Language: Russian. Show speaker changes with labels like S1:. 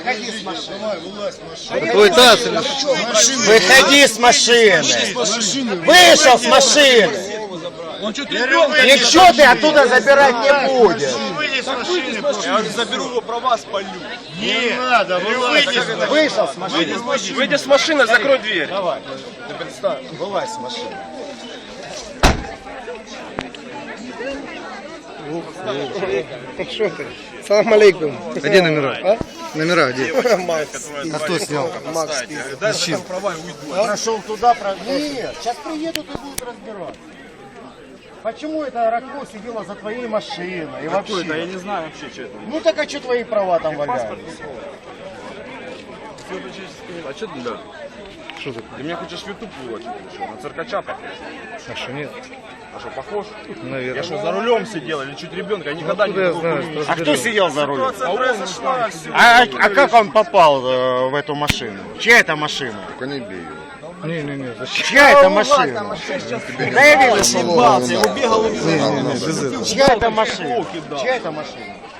S1: Выходи с машины.
S2: Давай, вылазь с машины.
S3: Ой, Тасс,
S1: Выходи с машины. Вышел с машины. Ничего ты оттуда забирать не будешь.
S2: Выйди с машины.
S4: Я уже заберу его права, спалю.
S2: Не надо, вылазь.
S1: Вышел с машины.
S4: Выйди с машины, закрой дверь.
S1: Давай. Вылазь с машины.
S5: Что ты? Салам алейкум.
S3: Где номера? Номера где?
S4: А
S3: кто снял?
S5: Макс,
S4: Дай закрой права и уйду.
S1: Прошел туда, Нет, сейчас приедут и будут разбираться. Почему это Ракмо сидела за твоей машиной? И вообще?
S4: Я не знаю вообще, что это.
S1: Ну так а что твои права там валяются?
S4: А что ты, да?
S3: Что такое?
S4: Ты меня хочешь в YouTube выводить? На циркача похож?
S3: А что нет?
S4: А что, похож?
S3: Наверное.
S4: Я что, за рулем сидел или чуть ребенка? Я никогда не
S3: Откуда я
S4: был.
S3: знаю?
S1: А кто сидел за рулем?
S4: Ситуация произошла.
S1: А как он попал в эту машину? Чья это машина?
S2: Только не бей его.
S3: Не, зачем?
S1: Чья это машина? Да я вижу,
S4: Ебался, я убегал и
S3: Не, без этого.
S1: чья это машина? Чья это машина?